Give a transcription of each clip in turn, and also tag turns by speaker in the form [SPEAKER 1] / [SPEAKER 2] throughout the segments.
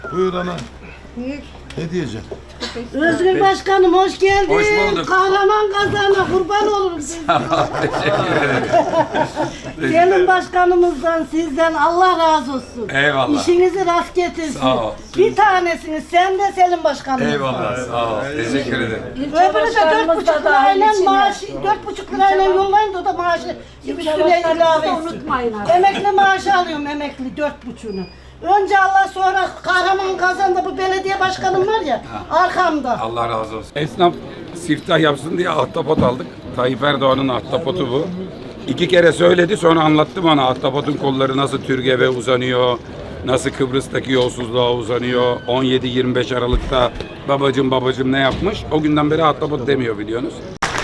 [SPEAKER 1] Buyur ana. Ne diyeceksin?
[SPEAKER 2] Özgür Başkanım hoş geldin.
[SPEAKER 3] Hoş bulduk.
[SPEAKER 2] Kahraman kazana kurban olurum sizden.
[SPEAKER 3] Teşekkür ederim.
[SPEAKER 2] Selim Başkanımızdan sizden Allah razı olsun.
[SPEAKER 3] Eyvallah.
[SPEAKER 2] İşinizi rast getirsin.
[SPEAKER 3] Sağ ol.
[SPEAKER 2] Bir tanesiniz sen de Selim Başkanımızdan.
[SPEAKER 3] Eyvallah. Sağ ol. Teşekkür ederim.
[SPEAKER 2] Öbürü de 4,5 lirayla maaşı, 4,5 lirayla yollayın da o da maaşı üstüne ilave etsin. Emekli maaşı alıyorum emekli 4,5'unu. Önce Allah sonra Kahraman Kazan'da bu belediye başkanım var ya arkamda.
[SPEAKER 3] Allah razı olsun. Esnaf siftah yapsın diye ahtapot aldık. Tayyip Erdoğan'ın ahtapotu bu. 2 kere söyledi, sonra anlattım ona ahtapotun kolları nasıl Türgev'e uzanıyor, nasıl Kıbrıs'taki yolsuzluğa uzanıyor. 17-25 Aralık'ta babacım ne yapmış. O günden beri ahtapot demiyor biliyorsunuz.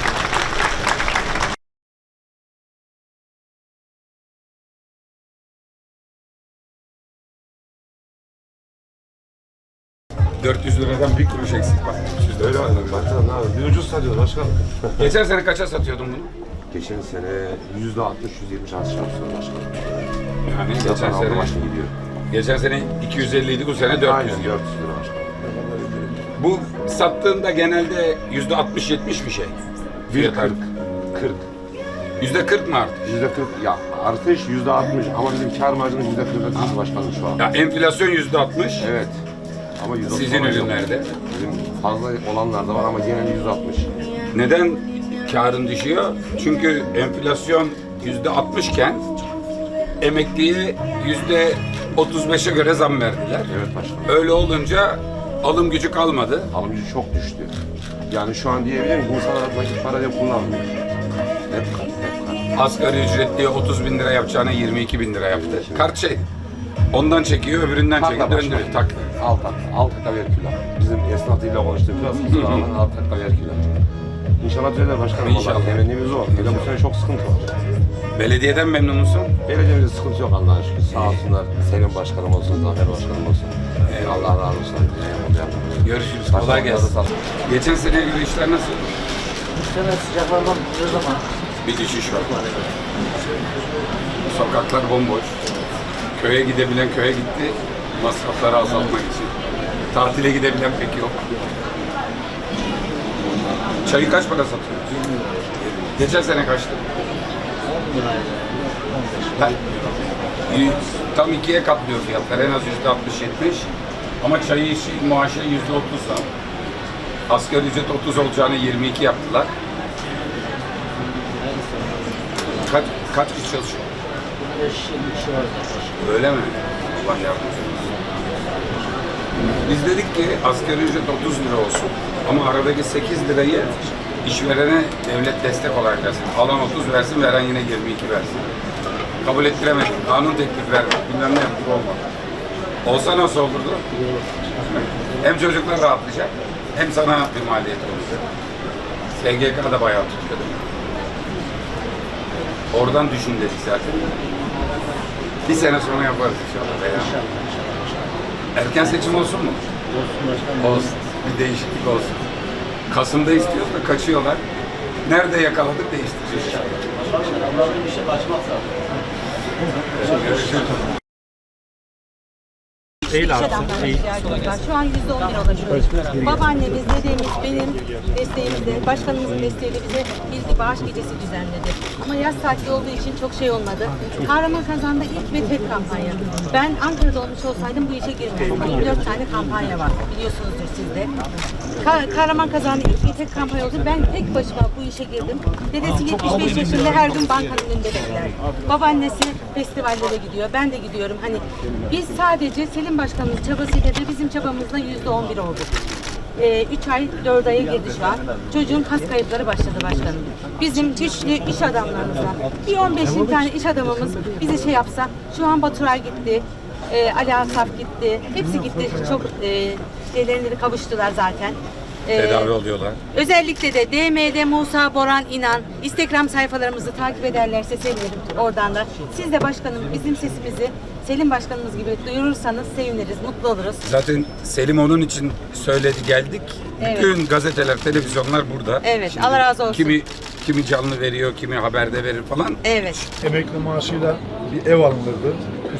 [SPEAKER 3] $400'dan bir kuruş eksik bak.
[SPEAKER 4] Öyle var. Başkanım ne abi? Bir ucuz satıyoruz başkanım.
[SPEAKER 3] Geçen sene kaça satıyordun bunu?
[SPEAKER 4] Geçen sene %60-%70 artış yapmışsın başkanım.
[SPEAKER 3] Yani
[SPEAKER 4] Zaten
[SPEAKER 3] geçen
[SPEAKER 4] aldı
[SPEAKER 3] sene
[SPEAKER 4] başını gidiyor.
[SPEAKER 3] Geçen sene 250 idi, bu sene 400
[SPEAKER 4] Aynen
[SPEAKER 3] diyor.
[SPEAKER 4] 400 lira başkanım.
[SPEAKER 3] Bu sattığında genelde %60-70 bir şey.
[SPEAKER 4] Bir
[SPEAKER 3] Fiyat
[SPEAKER 4] 40.
[SPEAKER 3] %40 mı arttı?
[SPEAKER 4] %40 ya artış %60 ama bizim kar marjımız %40'a düştü başkanım şu an.
[SPEAKER 3] Ya enflasyon %60.
[SPEAKER 4] Evet. Ama %30
[SPEAKER 3] Sizin
[SPEAKER 4] olan yok.
[SPEAKER 3] ürünlerde.
[SPEAKER 4] Bizim fazla olanlar da var ama genel %60.
[SPEAKER 3] Neden karın düşüyor? Çünkü enflasyon %60 iken emekliye %35'e göre zam verdiler.
[SPEAKER 4] Evet başkanım.
[SPEAKER 3] Öyle olunca alım gücü kalmadı.
[SPEAKER 4] Alım gücü çok düştü. Yani şu an diyebilirim ki insanlar nakit para diye kullanmıyor. Hep kart, hep kart.
[SPEAKER 3] Asgari ücretliye 30 bin lira yapacağına 22 bin lira yaptı. Kart şey, ondan çekiyor, öbüründen
[SPEAKER 4] Takla
[SPEAKER 3] çekiyor,
[SPEAKER 4] başkanım.
[SPEAKER 3] döndürüyor, takla.
[SPEAKER 4] Alt takla ver kilo. Bizim esnafıyla konuştuğumuz kusura bakmayın alt takla ver kilo. İnşallah düzelir başkanım.
[SPEAKER 3] İnşallah.
[SPEAKER 4] İnşallah. Temennimiz o. Bir de bu sene çok sıkıntı var.
[SPEAKER 3] Belediyeden memnun musun?
[SPEAKER 4] Belediyemizde sıkıntı yok Allah'a şükür. Sağ olsunlar. Selim başkanım olsun, Zafer başkanım olsun. Allah razı olsun.
[SPEAKER 3] Görüşürüz, kolay gelsin. Geçen seneye göre işler nasıl?
[SPEAKER 5] Sene sıcaklardan ne zaman?
[SPEAKER 3] Bir düşüş var. Sokaklar bomboş. Köye gidebilen köye gitti, masrafları azaltmak için. Tatile gidebilen pek yok. Çayı kaç para satıyoruz? Geçen sene kaçtı?
[SPEAKER 5] 10 liraydı. 15 lira.
[SPEAKER 3] Tam ikiye katlıyor fiyatlar. En az %60-70. Ama çayı işi maaşı %30 zam. Asgari ücret 30 olacağını 22 yaptılar. Kaç kişi çalışıyor?
[SPEAKER 5] 5-20 kişi var zaten.
[SPEAKER 3] Öyle mi? Allah yardımcı olsun. Biz dedik ki asgari ücret 30 lira olsun ama aradaki 8 lirayı işverene devlet destek olarak versin. Alan 30 versin, veren yine 22 versin. Kabul ettiremedik. Kanun teklif verdik. Bilmem ne yaptık, olmadı. Olsa nasıl olurdu? Hem çocuklar rahatlayacak, hem sana bir maliyet olacak. SGK da bayağı tutuyordu. Oradan düşün dedik zaten. Bir sene sonra yaparız inşallah. Veya. Erken seçim olsun mu?
[SPEAKER 5] Olsun başkanım.
[SPEAKER 3] Olsun. Bir değişiklik olsun. Kasım'da istiyoruz da kaçıyorlar. Nerede yakaladık değiştireceğiz inşallah.
[SPEAKER 5] Allah'ın bir şey kaçmaz zaten.
[SPEAKER 3] Görüşürüz.
[SPEAKER 6] İş adamlarına ihtiyacımız var. Şu an %11 ulaşıyoruz. Babaannemiz, dedemiz, benim desteğimizle, başkanımızın desteğiyle bize bir bağış gecesi düzenledi. Ama yaz tatili olduğu için çok şey olmadı. Kahraman Kazan'da ilk ve tek kampanya. Ben Ankara'da olmuş olsaydım bu işe girmezdim. 24 tane kampanya var. Biliyorsunuzdur siz de. Kahraman Kazan'da ilk ve tek kampanya oldu. Ben tek başıma bu işe girdim. Dedesi 75 yaşında her gün bankanın önünde bekler. Babaannesi festivallere gidiyor. Ben de gidiyorum. Hani biz sadece Selim Başkanımız çabasıyla da bizim çabamızla %11 olduk. 3 ay, 4 aya girdi şu an. Çocuğun kas kayıpları başladı başkanım. Bizim güçlü iş adamlarımızdan bir 15-20 tane iş adamımız bize şey yapsa, şu an Baturay gitti, Ali Asaf gitti, hepsi gitti. Çok şeylerine de kavuştular zaten.
[SPEAKER 3] Tedavi oluyorlar.
[SPEAKER 6] Özellikle de DM'de Musa Boran İnan Instagram sayfalarımızı takip ederlerse sevinirim oradan da. Siz de başkanım bizim sesimizi Selim Başkanımız gibi duyurursanız seviniriz, mutlu oluruz.
[SPEAKER 3] Zaten Selim onun için söyledi, geldik.
[SPEAKER 6] Evet.
[SPEAKER 3] Bütün gazeteler, televizyonlar burada.
[SPEAKER 6] Evet, Allah razı olsun.
[SPEAKER 3] Kimi canlı veriyor, kimi haberde verir falan.
[SPEAKER 6] Evet.
[SPEAKER 1] Emekli maaşıyla bir ev alınırdı.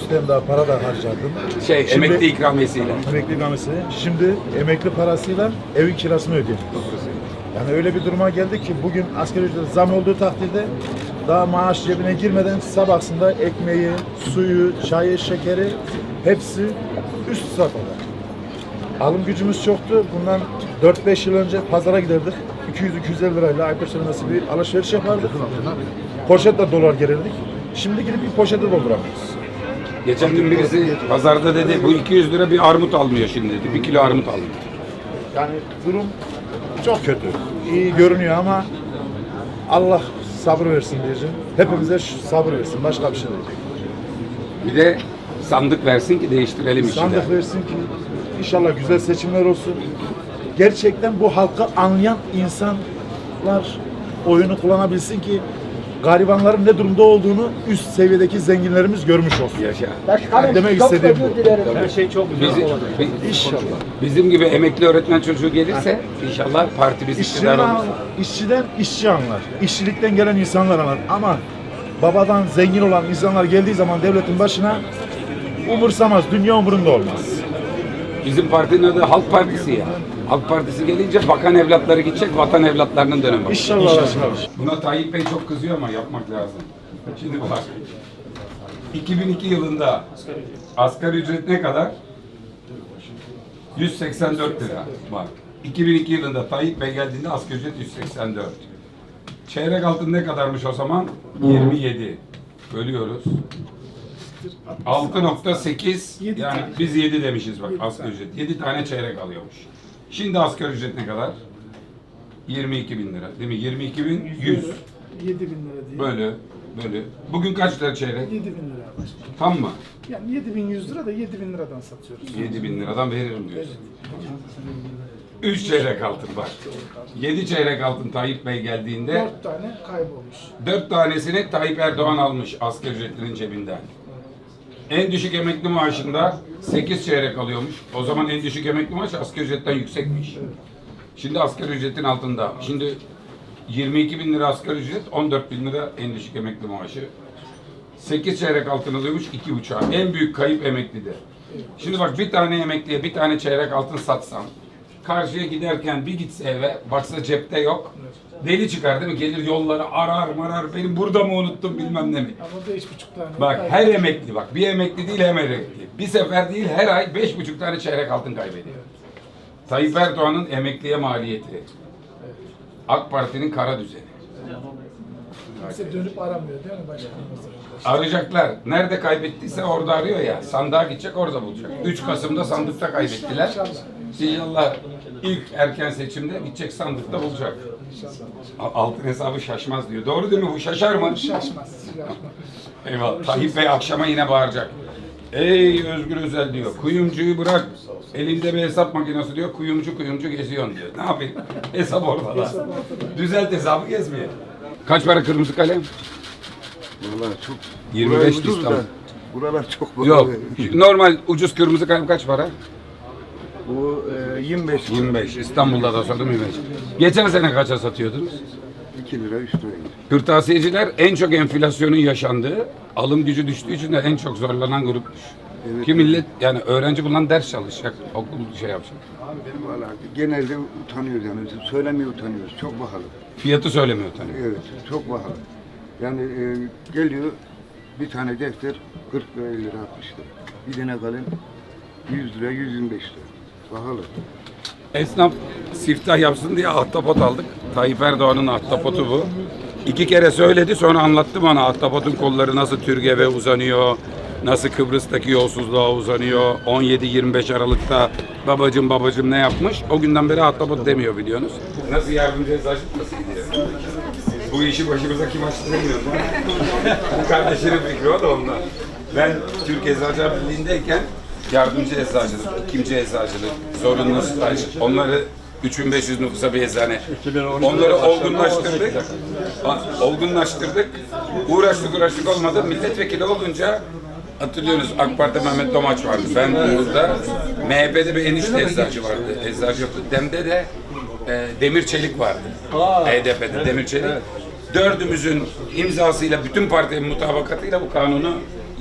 [SPEAKER 1] üstten daha para da harcardım. Şimdi-
[SPEAKER 3] Emekli ikramiyesiyle.
[SPEAKER 1] Emekli ikramiyesi. Şimdi emekli parasıyla evin kirasını ödüyorum. Yani öyle bir duruma geldi ki bugün asgari ücret zam olduğu takdirde daha maaş cebine girmeden sabahsında ekmeği, suyu, çayı, şekeri hepsi üst safhada. Alım gücümüz çoktu. Bundan 4-5 yıl önce pazara giderdik. 200-250 lirayla Ayper nasıl bir alışveriş yapardık. Poşetle dolar gelirdik. Şimdi gidip bir poşete dolduramıyoruz.
[SPEAKER 3] Geçen gün birisi pazarda dedi bu 200 lira bir armut almıyor şimdi dedi. 1 kilo armut almıyor.
[SPEAKER 1] Yani durum çok kötü. İyi görünüyor ama Allah sabır versin diyeceğim. Hepimize sabır versin. Başka bir şey değil.
[SPEAKER 3] Bir de sandık versin ki değiştirelim işi de.
[SPEAKER 1] Sandık versin ki inşallah güzel seçimler olsun. Gerçekten bu halkı anlayan insanlar oyunu kullanabilsin ki garibanların ne durumda olduğunu üst seviyedeki zenginlerimiz görmüş olsun.
[SPEAKER 3] Yaşa.
[SPEAKER 1] Demek istediğim bu.
[SPEAKER 5] Her şey çok güzel olacak.
[SPEAKER 1] İnşallah.
[SPEAKER 3] Bizim gibi emekli öğretmen çocuğu gelirse inşallah partimiz iktidar olur.
[SPEAKER 1] İşçiden işçi anlar. İşçilikten gelen insanlar anlar. Ama babadan zengin olan insanlar geldiği zaman devletin başına umursamaz. Dünya umurunda olmaz.
[SPEAKER 3] Bizim partinin adı Halk Partisi ya. Halk Partisi gelince bakan evlatları gidecek, vatan evlatlarının dönemi.
[SPEAKER 1] İnşallah.
[SPEAKER 3] Buna Tayyip Bey çok kızıyor ama yapmak lazım. Şimdi bak. 2002 yılında asgari ücret ne kadar? 184 lira. Bak. 2002 yılında Tayyip Bey geldiğinde asgari ücret 184. Çeyrek altın ne kadarmış o zaman? 27. Bölüyoruz. 6.8 yani biz 7 demişiz bak asgari ücret. 7 tane çeyrek alıyormuş. Şimdi asgari ücret ne kadar? 22 bin lira değil mi? 22 bin 100.
[SPEAKER 7] 7 bin lira diye.
[SPEAKER 3] Bölü. Bugün kaç lira çeyrek?
[SPEAKER 7] 7 bin lira başkanım.
[SPEAKER 3] Tam mı?
[SPEAKER 7] Yani 7.100 lira da 7 bin liradan satıyoruz.
[SPEAKER 3] 7 bin liradan veririm diyorsun. 3 çeyrek altın bak. 7 çeyrek altın Tayyip Bey geldiğinde
[SPEAKER 7] 4 tane kaybolmuş.
[SPEAKER 3] 4 tanesini Tayyip Erdoğan almış asgari ücretlinin cebinden. En düşük emekli maaşında 8 çeyrek alıyormuş. O zaman en düşük emekli maaş asgari ücretten yüksekmiş. Şimdi asgari ücretin altında. Şimdi 22 bin lira asgari ücret, 14 bin lira en düşük emekli maaşı. 8 çeyrek altın alıyormuş, 2,5. En büyük kayıp emeklide. Şimdi bak bir tane emekliye bir tane çeyrek altın satsam, karşıya giderken bir gitse eve, baksa cepte yok. Deli çıkar değil mi? Gelir yolları arar marar, benim burada mı unuttum bilmem ne mi?
[SPEAKER 7] Ama 5,5 tane.
[SPEAKER 3] Bak her emekli bak, bir emekli değil hem emekli. Bir sefer değil her ay 5,5 tane çeyrek altın kaybediyor. Tayyip Erdoğan'ın emekliye maliyeti. AK Parti'nin kara düzeni.
[SPEAKER 7] Kimse dönüp aramıyor değil mi başkanım?
[SPEAKER 3] Arayacaklar. Nerede kaybettiyse orada arıyor ya. Sandığa gidecek orada bulacak. 3 Kasım'da sandıkta kaybettiler. İnşallah ilk erken seçimde gidecek sandıkta bulacak. Altın hesabı şaşmaz diyor. Doğru değil mi? Bu şaşar mı?
[SPEAKER 7] Şaşmaz.
[SPEAKER 3] Eyvallah. Tayyip Bey akşama yine bağıracak. Ey Özgür Özel diyor. Kuyumcuyu bırak. Elinde bir hesap makinesi diyor. Kuyumcu geziyorsun diyor. Ne yapayım? Hesap orada. Düzelt hesabı gezmeye. Kaç para kırmızı kalem?
[SPEAKER 8] Vallahi çok
[SPEAKER 3] 25
[SPEAKER 8] burası ucuz
[SPEAKER 3] İstanbul.
[SPEAKER 8] da, buralar çok
[SPEAKER 3] Yok. Normal ucuz kırmızı kalem kaç para?
[SPEAKER 8] Bu 25
[SPEAKER 3] 25. İstanbul'da da sordum 25. Geçen sene kaça satıyordunuz?
[SPEAKER 8] 2 lira 3 lira.
[SPEAKER 3] Kırtasiyeciler en çok enflasyonun yaşandığı, alım gücü düştüğü için de en çok zorlanan grupmuş.
[SPEAKER 8] Evet.
[SPEAKER 3] Ki millet yani öğrenci bundan ders çalışacak, okul şey yapacak.
[SPEAKER 8] Vallahi genelde utanıyoruz yani. Söylemeye utanıyoruz. Çok pahalı.
[SPEAKER 3] Fiyatı söylemiyor tabii.
[SPEAKER 8] Evet, çok pahalı. Yani geliyor bir tane defter 40 lira 50 lira 60 lira. Bir tane kalem 100 lira 125 lira. Pahalı.
[SPEAKER 3] Esnaf siftah yapsın diye ahtapot aldık. Tayyip Erdoğan'ın ahtapotu bu. 2 kere söyledi sonra anlattım ona ahtapotun kolları nasıl Türgev'e uzanıyor. Nasıl Kıbrıs'taki yolsuzluğa uzanıyor. 17-25 Aralık'ta babacım ne yapmış. O günden beri ahtapot demiyor biliyorsunuz. Nasıl yardımcı eczacı nasıl gidiyor? Bu işi başımıza kim açtı bilmiyorum. Bu kardeşinin fikri o da ondan. Ben Türk Eczacılar Birliği'ndeyken yardımcı eczacılık, ikinci eczacılık, zorunlu staj, onları 3500 nüfusa bir eczane. Onları olgunlaştırdık. Uğraştık olmadı. Milletvekili olunca hatırlıyorsunuz AK Parti Mehmet Domaç vardı. Ben burada MHP'de bir enişte eczacı vardı. Eczacı yoktu. Dem'de de Demir Çelik vardı. HDP'de Demir Çelik. Dördümüzün imzasıyla bütün partinin mutabakatıyla bu kanunu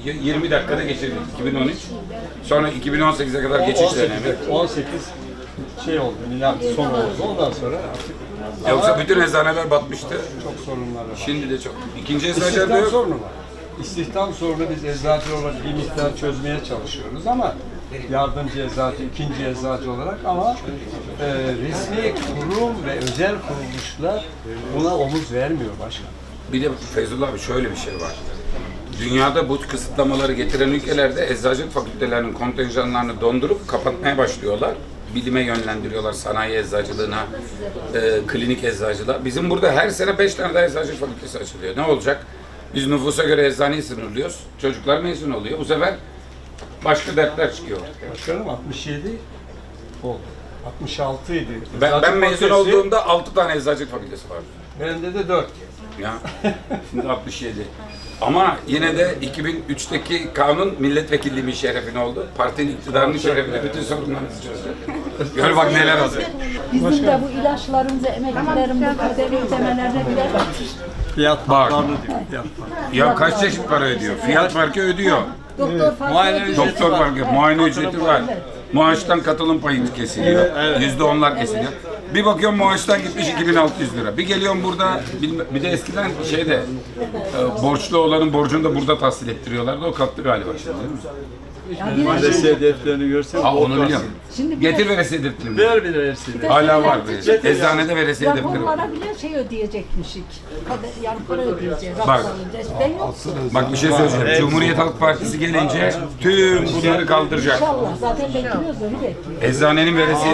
[SPEAKER 3] 20 dakikada geçirdik 2013. Sonra 2018'e kadar geçiş dönemi.
[SPEAKER 9] 18 şey oldu, milat son oldu. Ondan sonra artık
[SPEAKER 3] Yoksa bütün eczaneler batmıştı.
[SPEAKER 9] çok sorunlar var.
[SPEAKER 3] Şimdi de çok. İkinci eczacıda
[SPEAKER 9] İstihdam
[SPEAKER 3] yok.
[SPEAKER 9] sorunu var. İstihdam sorunu biz eczacı olarak bir miktar çözmeye çalışıyoruz ama yardımcı eczacı, ikinci eczacı olarak ama resmi kurum ve özel kuruluşlar buna omuz vermiyor başkan.
[SPEAKER 3] Bir de Feyzullah abi şöyle bir şey var. Dünyada bu kısıtlamaları getiren ülkelerde eczacılık fakültelerinin kontenjanlarını dondurup kapatmaya başlıyorlar. Bilime yönlendiriyorlar, sanayi eczacılığına, klinik eczacılığa. Bizim burada her sene 5 tane daha eczacılık fakültesi açılıyor. Ne olacak? Biz nüfusa göre eczaneyi sınırlıyoruz. Çocuklar mezun oluyor. Bu sefer başka dertler çıkıyor.
[SPEAKER 9] Başkanım 67 oldu. 66 idi.
[SPEAKER 3] Ben mezun olduğumda 6 tane eczacılık fakültesi vardı.
[SPEAKER 9] Bende de 4.
[SPEAKER 3] Ya şimdi 67. Ama yine de 2003'teki kanun milletvekilliğimin şerefine oldu. Partinin iktidarının şerefine bütün sorunlarımızı çözdü. Gör bak neler oldu.
[SPEAKER 10] Bizim de bu ilaçlarımızı, emeklilerin bu kaderi ödemelerine birer
[SPEAKER 9] Fiyat
[SPEAKER 3] Bak.
[SPEAKER 9] farklarını diyor. Fiyat farkı.
[SPEAKER 3] Ya kaç çeşit para ödüyor? Fiyat farkı ödüyor.
[SPEAKER 10] doktor farkı
[SPEAKER 9] Muayene
[SPEAKER 10] ödüyor.
[SPEAKER 9] ücreti
[SPEAKER 3] Doktor farkı, muayene ücreti var. Maaştan katılım payı kesiliyor. %10'lar kesiliyor. Bir bakıyorum maaştan gitmiş 2600 lira. Bir geliyorum burada, bir de eskiden şeyde borçlu olanın borcunu da burada tahsil ettiriyorlardı. O kalktı galiba şimdi değil mi?
[SPEAKER 9] Veresiye defterini görsen.
[SPEAKER 3] Ha onu biliyorum.
[SPEAKER 10] Şimdi
[SPEAKER 3] Getir veresiye defterini.
[SPEAKER 9] Ver bir veresiye.
[SPEAKER 3] Hala var. Eczanede veresiye defteri var.
[SPEAKER 10] raporlara bile şey ödeyecekmişik. Yani para ödeyeceğiz.
[SPEAKER 3] Bak.
[SPEAKER 10] Bak. Ben yok.
[SPEAKER 3] Bak bir şey söyleyeceğim. Cumhuriyet Halk Partisi gelince tüm bunları kaldıracak.
[SPEAKER 10] İnşallah. Zaten bekliyoruz onu bekliyoruz.
[SPEAKER 3] Eczanenin veresiye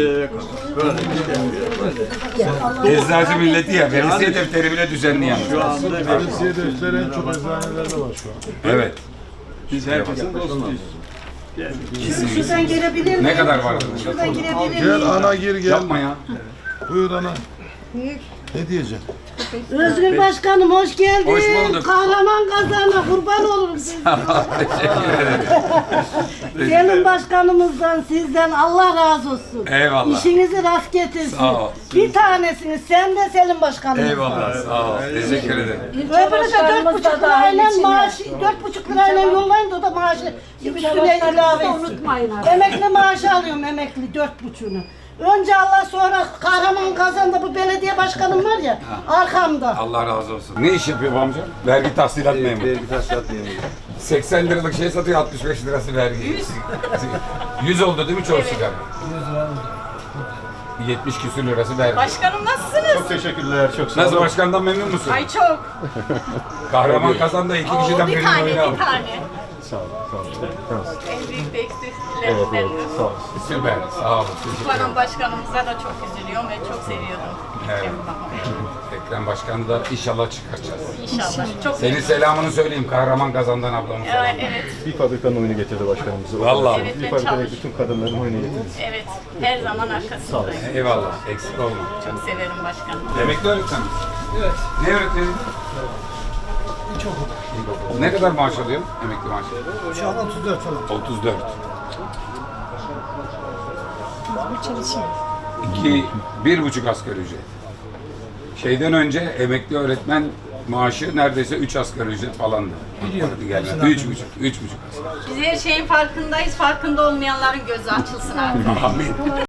[SPEAKER 3] Eczacı milleti ya. Veresiye defteri bile düzenli yani.
[SPEAKER 9] Şu anda
[SPEAKER 1] Veresiye defteri en çok eczanelerde var şu an.
[SPEAKER 3] Evet.
[SPEAKER 9] biz herkesin dostuyuz.
[SPEAKER 2] Şuradan girebilir miyim?
[SPEAKER 3] Ne kadar var?
[SPEAKER 2] Şuradan girebilir
[SPEAKER 1] Gel
[SPEAKER 2] miyim?
[SPEAKER 1] ana gir gel.
[SPEAKER 3] Yapma ya.
[SPEAKER 1] Buyur ana. Ne diyeceksin?
[SPEAKER 2] Özgür Başkanım hoş geldin.
[SPEAKER 3] Hoş bulduk.
[SPEAKER 2] Kahraman kazana kurban olurum sizden.
[SPEAKER 3] Teşekkür ederim.
[SPEAKER 2] Senin başkanımızdan sizden Allah razı olsun.
[SPEAKER 3] Eyvallah.
[SPEAKER 2] İşinizi rast getirsin.
[SPEAKER 3] Sağ ol.
[SPEAKER 2] Bir tanesiniz sen de Selim Başkanımız.
[SPEAKER 3] Eyvallah. Sağ ol. Teşekkür ederim.
[SPEAKER 2] Öbürü de 4,5 lirayla maaşı, 4,5 lirayla yollayın da o da maaşı üstüne ilave etsin.
[SPEAKER 10] Unutmayın artık.
[SPEAKER 2] Emekli maaşı alıyorum emekli 4,5'unu. Önce Allah sonra Kahraman Kazan'da bu belediye başkanım var ya arkamda.
[SPEAKER 3] Allah razı olsun. Ne iş yapıyor bu amca? Vergi tahsilat memuru.
[SPEAKER 4] Vergi tahsilat memuru.
[SPEAKER 3] 80 liralık şey satıyor, 65 lirası vergi. 100 oldu değil mi çoğu sigara? 70 küsür lirası vergi.
[SPEAKER 6] Başkanım nasılsınız?
[SPEAKER 4] Çok teşekkürler. Çok sağ
[SPEAKER 3] Nasıl
[SPEAKER 4] olun.
[SPEAKER 3] başkandan memnun musun?
[SPEAKER 6] Ay çok.
[SPEAKER 3] Kahraman Kazan'da 2 kişiden
[SPEAKER 6] Bir
[SPEAKER 3] birini
[SPEAKER 6] tane,
[SPEAKER 3] oyunu
[SPEAKER 6] bir
[SPEAKER 3] aldı.
[SPEAKER 6] tane.
[SPEAKER 4] Sağ olun. Sağ olun.
[SPEAKER 6] En büyük de eksikliklerimden.
[SPEAKER 4] Sağ olun.
[SPEAKER 3] Süper, sağ olun. Teşekkür ederim.
[SPEAKER 6] Baran başkanımıza da çok üzülüyorum ve çok seviyordum.
[SPEAKER 3] Evet. Ekrem Başkan'ı da inşallah çıkaracağız.
[SPEAKER 6] İnşallah. Çok
[SPEAKER 3] Senin selamını söyleyeyim Kahraman Kazan'dan ablamın selamı.
[SPEAKER 6] Evet,
[SPEAKER 4] Bir fabrikanın oyunu getirdi başkanımızı.
[SPEAKER 3] Vallahi.
[SPEAKER 6] Evet,
[SPEAKER 4] Bir
[SPEAKER 6] ben
[SPEAKER 4] fabrikadaki
[SPEAKER 6] çalıştım.
[SPEAKER 4] bütün kadınların oyunu getirdi.
[SPEAKER 6] evet. Her zaman arkasındayım.
[SPEAKER 3] Eyvallah, eksik olma.
[SPEAKER 6] Çok severim başkanım.
[SPEAKER 3] Emekli öğretmen misin? Evet. Ne öğretmeni? İlkokul. Ne kadar maaş alıyorsun emekli maaşı?
[SPEAKER 7] Şu an 34 falan.
[SPEAKER 3] 34. 1,5 asgari ücret. Şeyden önce emekli öğretmen maaşı neredeyse 3 asgari ücret falandı. Biliyorum. 3,5 asgari.
[SPEAKER 6] Biz her şeyin farkındayız. Farkında olmayanların gözü açılsın artık.
[SPEAKER 3] Amin.